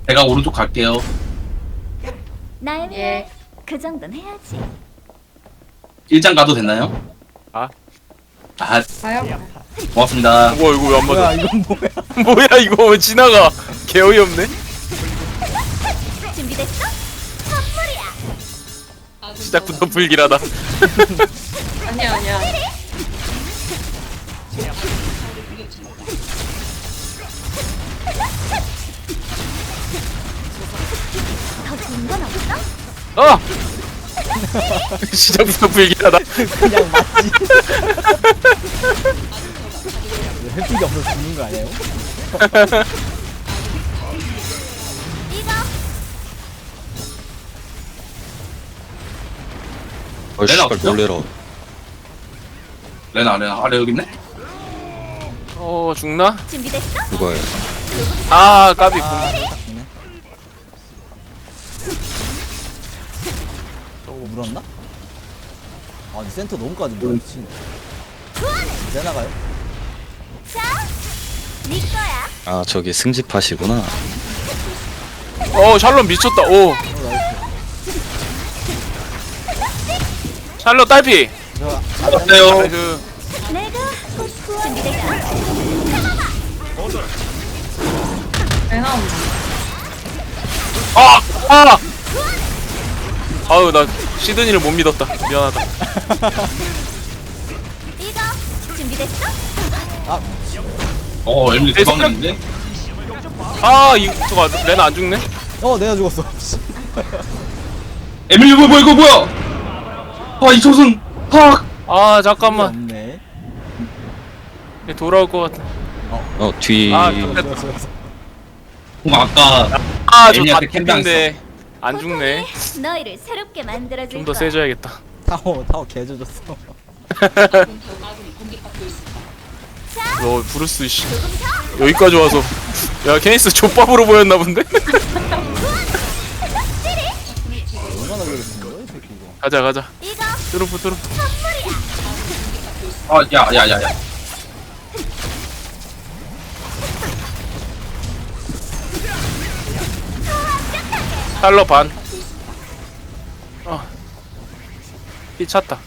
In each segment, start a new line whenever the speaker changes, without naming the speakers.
제가 오른쪽 갈게요.
나의
예.
그 정도는 해야지.
1장 가도 되나요?
아.
아,
가요?
고맙습니다.
우와 이거 왜 안
뭐야
맞아?
이건 뭐야?
뭐야 이거 왜 지나가? 개 어이없네.
준비됐어? 선물이야.
시작부터 불길하다.
아니야 아니야.
더 좋은 건 없어?
어! 시작부터 불길하다.
그냥 맞지. 햇빛이 없어서 죽는 거 아니에요?
이거
레나
씨발
없죠?
놀래라.
레나 아래 여기 있네?
어 죽나?
준비됐어?
그거예요.
아 까비.
아, 딱 죽네. 물었나? 아, 이 센터 너무 까진다. 미친. 이제 나가요?
자, 네 거야.
아 저기 승집하시구나.
어 샬롯 미쳤다. 오
나이스.
샬롯 딸피.
저,
어때요?
나이스.
내가 곧 구원. 준비됐어?
내가 온다.
아! 아! 아유 나 시드니를 못 믿었다. 미안하다.
이거 준비됐어?
에밀리
내
도망갔는데?
아 이 저거 레나 안 죽네?
내가 죽었어.
에밀리 뭐야 이거 뭐야? 아, 이 초승! 팍!
아 잠깐만.
없네.
얘 돌아올 것 같아.
뒤.
아,
죽었어.
그럼 아까
아저
애니한테
다
캠핑
죽인데 안 죽네.
너희를 새롭게 만들어줄
좀 더
거야.
세져야겠다.
타워 개져줬어.
너 브루스 씨 여기까지 와서 야 케니스 족밥으로 보였나 본데?
얼마나 그랬는 거야, 이 새끼 이거.
가자
이거
트루프
아, 야.
샬러 반. 피 찼다.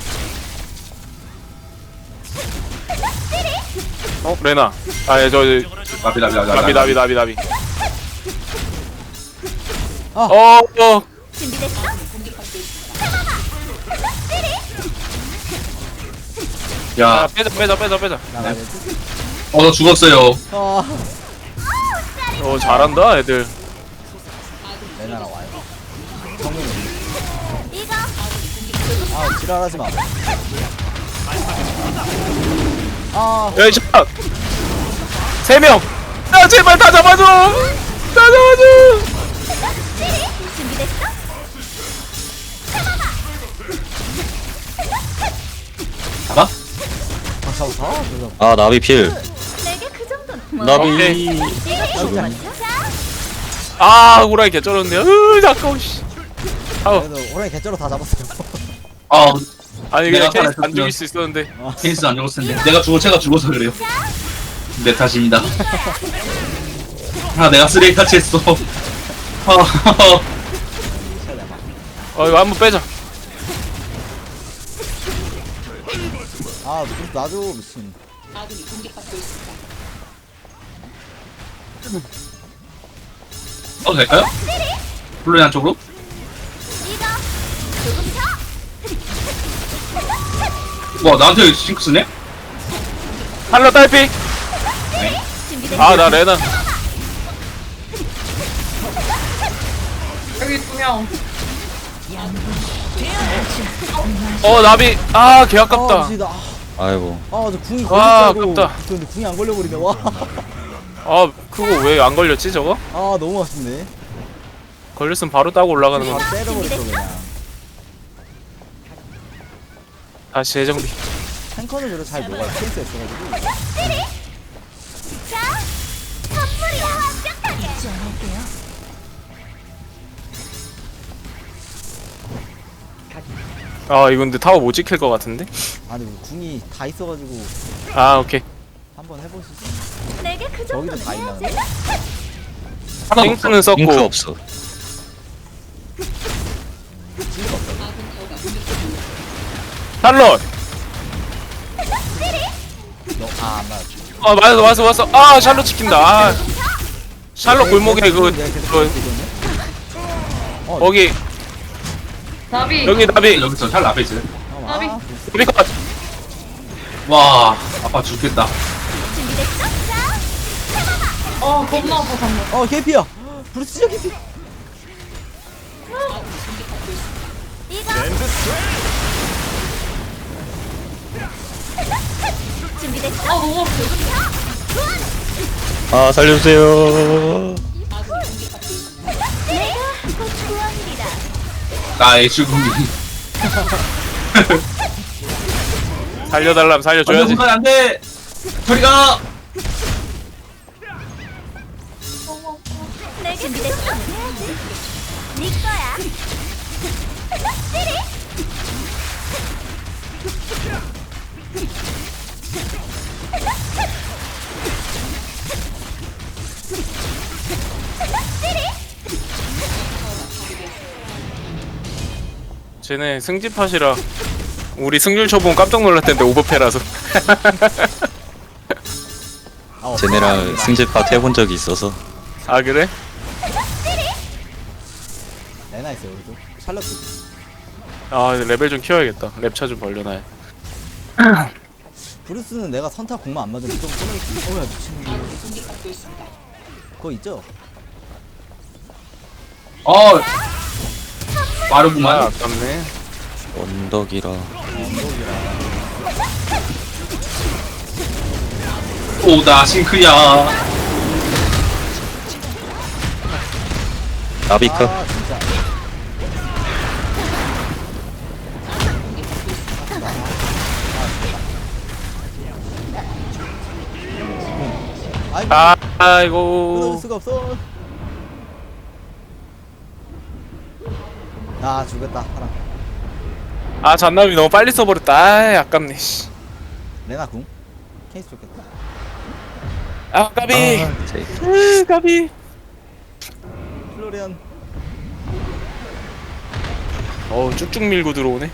레나. 아저
나비.
나비.
아.
어.
준비됐어?
야
야,
빼자.
나가야지.
저 죽었어요.
아,
잘한다 애들.
내나라 와요. 정면에.
이거
아, 지랄하지 마. 아,
야 샷. 3명. 야 제발 다 잡아줘.
준비됐어?
잡아?
아, 잡았어. 그래서
아 나비 필.
내게 그 정도는 뭐?
나비.
이거
죽음.
맞죠? 자,
아 호랑이 개쩔었네요. 잠깐만 씨. 아우
그래도 호랑이 개쩔어 다 잡았어요.
아,
아니
내가
그냥 케이스 안
살아있었으면.
죽일 수 있었는데.
케이스 안 죽었을 텐데. 제가 죽어서 그래요. 내 탓입니다. 아, 내가 쓰레기 같이 했어.
이거 한번 빼자.
아, 좀 놔줘, 미친.
될까요? 플로리안 쪽으로?
이거 조금 더.
와, 나한테 싱크스네?
샬러 딸피.
준비됐어?
아 나 레나.
여기 2명.
나비. 아 개
아,
아깝다.
미치다.
아이고.
아, 저 궁이
와,
걸렸다고.
아깝다.
근데 궁이 안 걸려버리네. 와.
아 그거 왜 안 걸렸지 저거?
아, 너무 아쉽네.
걸렸으면 바로 따고 올라가는 거.
다 때려버렸어, 그냥.
다시 재정비.
탱커는 그래도 잘 녹아요. 센스 있어가지고.
자, 선물이야 완벽하게. 지원할게요.
아 이거 근데 타워 못 지킬 것 같은데?
아니, 궁이 다 있어가지고.
아 오케이.
한번 해보시죠.
내게 그
저기도
정도는
다 있나?
해야지.
하나도
핑크는
없어.
핑크
썼고
없어.
샬롯.
너안 맞았지.
아 왔어. 아 샬롯 지킨다. 아, 샬롯 골목에
내가
그
계속
그
어,
거기
나비.
여기 나비
여기서 잘 앞에 있어요.
나비.
나비 컷.
와, 아빠 죽겠다.
준비됐어? 자,
겁나 아파 방금.
개피야. 브루스 진짜 개피.
이거. 준비됐어?
너무 아파.
아 살려주세요.
내가 곧 구원이다.
나의 죽음이.
살려달라면 살려줘야지.
안돼, 안 돼. 저리 가.
내게 준비됐어? 해야지. 네 거야.
쟤네 승집하시라 우리 승률 쳐보면 깜짝 놀랐던데 오버패라서.
쟤네랑 승집파 해본 적이 있어서.
아 그래?
레나 있어요 우리도. 샬럿도.
아 레벨 좀 키워야겠다. 랩차 좀 벌려놔야.
브루스는 내가 선타 공만 안 맞으면 좀 끊어있지. 어야 미친놈. 그거 있죠?
어,
아
빠르구만.
아깝네.
언덕이라.
오다 싱크야.
나비카.
아 진짜. 아이고.
아
끊어줄
아이고.
수가 없어. 아 죽였다 하나.
아 잔나비 너무 빨리 써버렸다. 아 아깝네. 씨.
레나 궁. 케이스 좋겠다.
아 까비.
제-
까비.
플로리안.
쭉쭉 밀고 들어오네.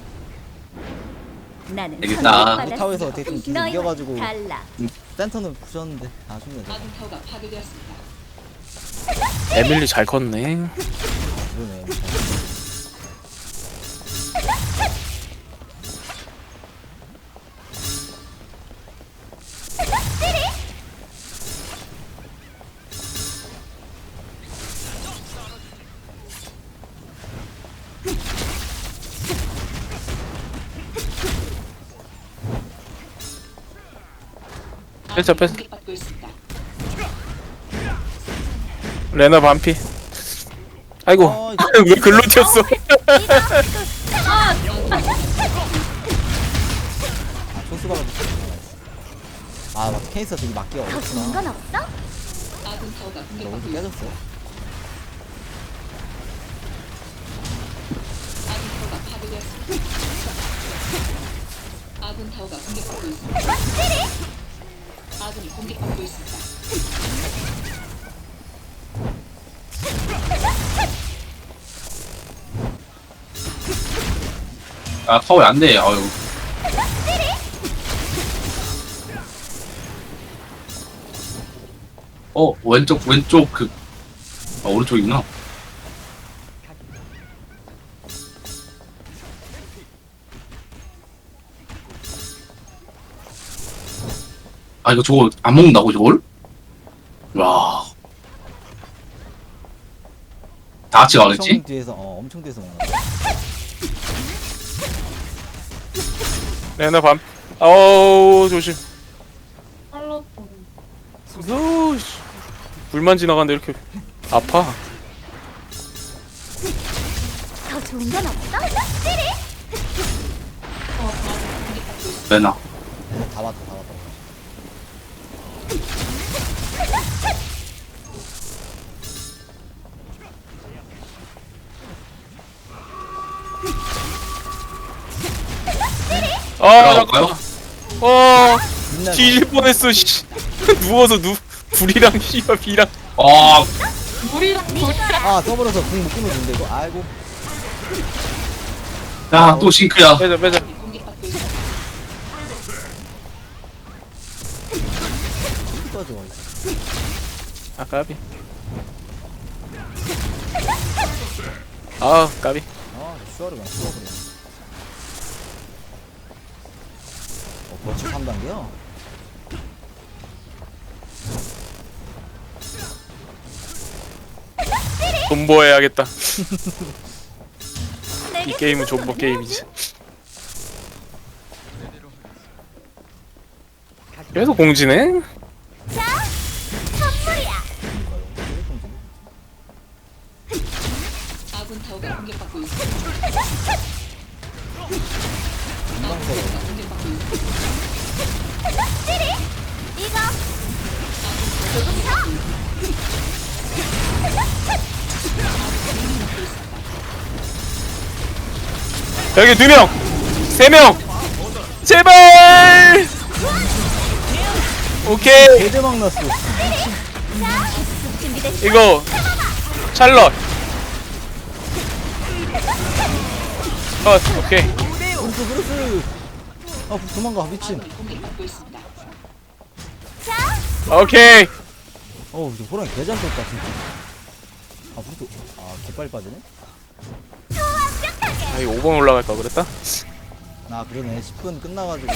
나는
알겠다.
선물받았어.
타워에서 어떻게 좀 길
너희와
이겨가지고.
달라.
센터는 부셨는데 아쉽네.
에밀리 잘 컸네.
그러네.
뺐어. 레나 반피. 아이고 왜 글로 튀었어?
아 초수가 가지고. 아 맞다. 케이스가 되게 맞기가
더 좋은
어렵구나.
건 없어?
너무 좀 깨졌어.
아, 타워에 안 돼. 아유. 왼쪽 그, 오른쪽이구나. 아, 이거 저거 안 먹는다고, 저걸? 와. 다 같이 가겠지?
엄청 뒤에서 엄청 뒤에서 먹는 거.
레나 반. 어우 조심.
샬롯.
어우 씨. 불만 지나가는데 이렇게 아파.
더 좋은 건 없어?
레나.
다 왔다 다 왔다.
아
들어갈까요?
빛나는
뒤질 뻔했어. 씨. 누워서 불이랑 씨와 비랑.
아,
물이랑 돌이랑.
아 써버려서 궁 못 끊어준대 이거. 아이고.
야, 또 싱크야.
빼자 빼자.
빠져.
아 까비. 아 까비.
아 슈아르가 슈아르가. 벌써 3단계야?
존버해야겠다.
내게
이 게임은
그 정도는
존버 게임이지. 계속 공지네.
자, 선물이야. 이거 조금 더.
여기 2명, 3명, 제발. 오케이.
개대박 났어.
준비됐어.
이거 찰럿. 오케이.
브루스. 아 도망가 미친.
오케이.
어우 이제 호랑이 개잘 떴다 진짜. 아 브루스. 아 개빨리 빠지네.
아 이거 5번 올라갈 걸 그랬다.
아 그러네 10분 끝나가지고.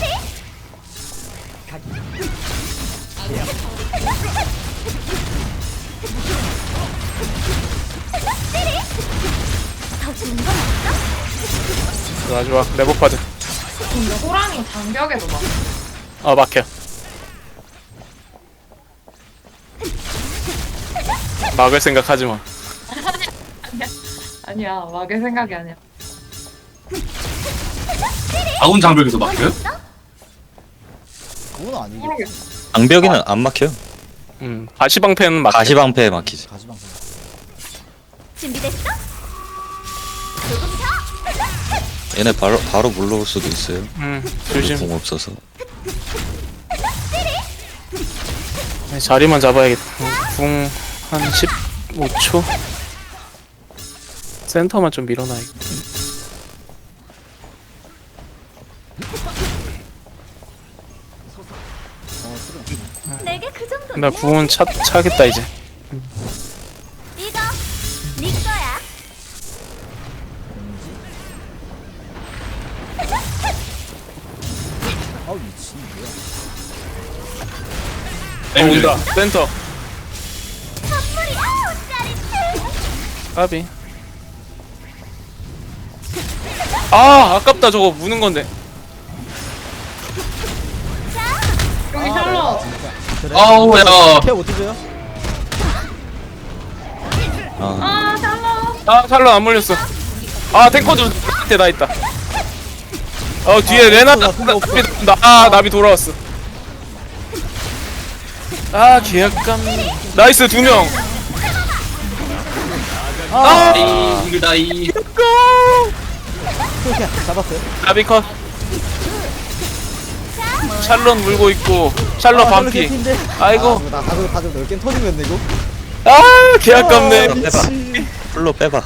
더 좋은 건 없어?
좋아 좋아. 레버파드.
근데 호랑이 장벽에도 막.
막혀. 막을 생각하지 마.
아니야, 막의 생각이 아니야.
아군 장벽에서 막혀요?
그건 아니겠지.
모르겠어.
장벽에는 안 막혀요.
가시방패는 막혀.
가시방패에 막히지.
가시방.
준비됐어? 조금 더.
얘네 바로 물러올 수도 있어요.
조심.
공 없어서.
자리만 잡아야겠다. 궁 한 15초. 센터만 좀 밀어놔야겠다.
내게 그 정도는
나 궁은 차겠다 이제.
이거 네 거야.
아 미친 뭐야.
온다. 센터.
선물이 아우 짜릿해.
까비. 아 아깝다 저거 무는 건데.
여기 샬럿.
그래?
아우, 야.
케어 못해줘요?
아,
아, 샬럿.
아 샬럿 안 물렸어. 아 탱커도 밑에 나 있다. 뒤에 레나 나비 돈다. 나비 돌아왔어. 계약감. 나이스 2명.
다이, 이글 다이.
오케이 잡았어요.
나비 컷. 샬럿 물고 있고 샬럿
아,
반피.
개피인데?
아이고.
나 다들 넓게 터지겠네 이거.
계약감네.
빼봐. 풀로 빼봐.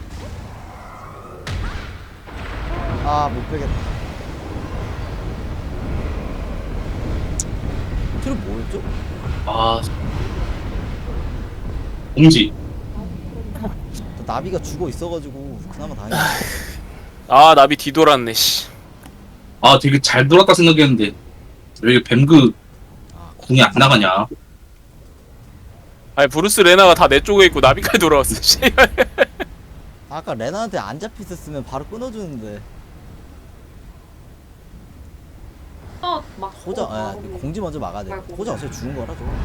아 못 빼겠다. 트를 뭐였죠?
아. 공지.
또 나비가 죽어 있어가지고 그나마 다행이야.
나비 뒤돌았네 씨.
아, 되게 잘 돌았다 생각했는데. 왜 이게 뱀그 궁이 안 나가냐?
아니 브루스 레나가 다 내 쪽에 있고 나비까지 돌아왔어 씨.
아까 레나한테 안 잡혔었으면 바로 끊어주는데
막.
호자 공지 먼저 막아야 돼. 호자 어차피 죽은 거라 저거.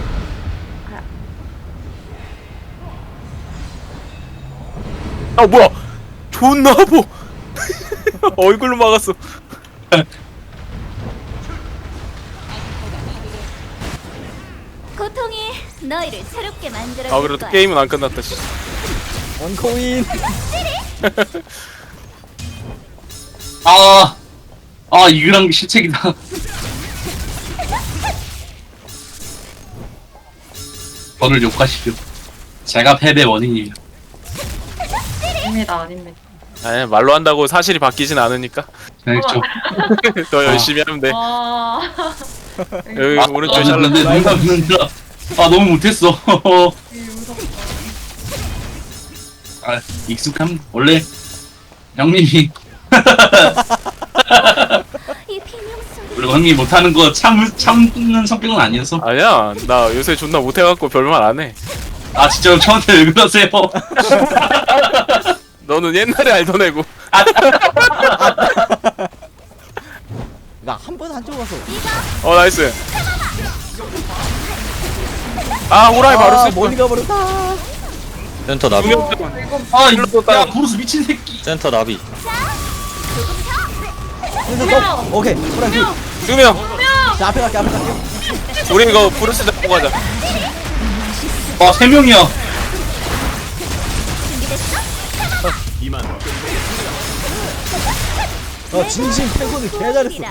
뭐야 존나 아파. 얼굴로 막았어.
고통이 너희를 새롭게 만들어.
그래도 게임은 안 끝났다 씨.
원코인.
이거랑 실책이다. 저를 욕하시죠. 제가 패배 원인이에요.
아닙니다, 아닙니다.
아니 말로 한다고 사실이 바뀌진 않으니까
그렇죠.
더 열심히 하면 돼.
아,
여기
아,
오른쪽 샬롯.
근데 농담이야. 아 너무 못했어. 아 익숙함 원래 형님이
이 비명소리.
원래 형님이 못하는 거 참는 성격은 아니어서.
아니야 나 요새 존나 못해갖고 별말 안 해.
아 진짜 저한테 왜 그러세요?
너는 옛날에 알던 애고.
나 한 번 한쪽 가서.
어 나이스. 아 호라이 바로 쓸 거야.
멀리 가버렸다.
센터 나비.
아 이거 야 브루스 미친 새끼.
센터 나비.
그래서 오케이. 호랑이.
2명.
자 앞에 갈게 앞에 갈게.
우리 이거 브루스 잡고 가자.
아 3명이야.
진심 탱커들 개 잘했어.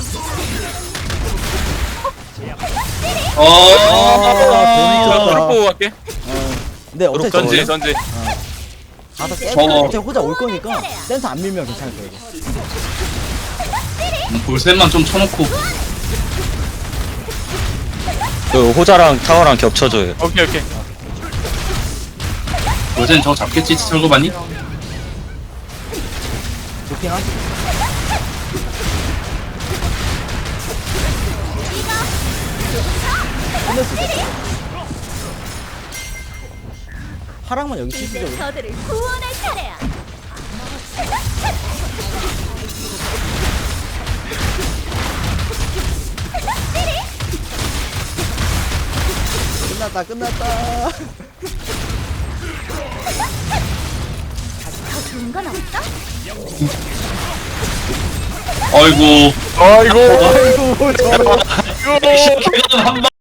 어.
트럭 보고 갈게.
근데 어차피
전지
저
전지.
가서
저거.
센터 혼자 올 거니까 센터 안 밀면 괜찮을 거야 이거.
볼셋만 좀 쳐놓고.
그 호자랑 타워랑 겹쳐줘요.
오케이 오케이.
볼셋 저거 잡겠지 철거 봤니?
도핑아. 끝냈을 때. 파랑만 여기
이제
치시죠.
저들을 구원할 차례야.
끝났다 끝났다.
더 좋은 건 없어?
아이고.
아이고.
아이고 저.
한 방.